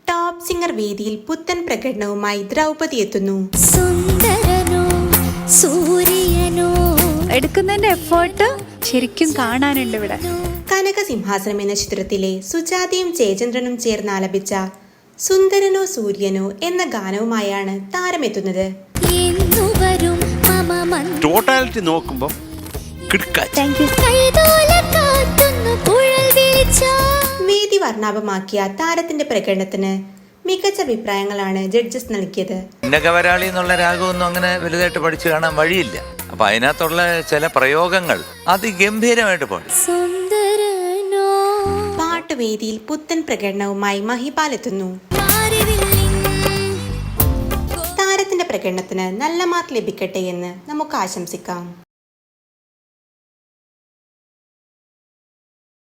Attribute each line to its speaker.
Speaker 1: Top singer വേദിയിൽ പുത്തൻ പ്രകടനവുമായി ദ്രൗപദി എത്തുന്നു.
Speaker 2: സുന്ദരനോ സൂര്യനോ
Speaker 3: എടുക്കുന്നതിന്റെ എഫേർട്ട് ശരിക്കും കാണാനുണ്ട് ഇവിടെ.
Speaker 1: കനകസിംഹാസനം എന്ന ചിത്രത്തിലെ സുജാതയും ജയചന്ദ്രനും ചേർന്ന് ആലപിച്ച സുന്ദരനോ സൂര്യനോ എന്ന ഗാനവുമായാണ് താരമെത്തുന്നത്.
Speaker 4: ടോട്ടാലിറ്റി നോക്കുമ്പോൾ
Speaker 1: വേദി വർണ്ണാഭമാക്കിയ താരത്തിന്റെ പ്രകടനത്തിന് മികച്ച അഭിപ്രായങ്ങളാണ് ജഡ്ജസ് നൽകിയത്.
Speaker 5: ഉന്നകവരാളി എന്നുള്ള രാഗമൊന്നും അങ്ങനെ വലുതായിട്ട് പഠിച്ചു കാണാൻ വഴിയില്ല. അപ്പൊ അതിനകത്തുള്ള ചില പ്രയോഗങ്ങൾ അതിഗംഭീരമായിട്ട് പാടി.
Speaker 1: പാട്ടുവേദിയിൽ പുത്തൻ പ്രകടനവുമായി മഹിപാൽ എത്തുന്നു. താരത്തിന്റെ പ്രകടനത്തിന് നല്ല മാർക്ക് ലഭിക്കട്ടെ എന്ന് നമുക്ക് ആശംസിക്കാം.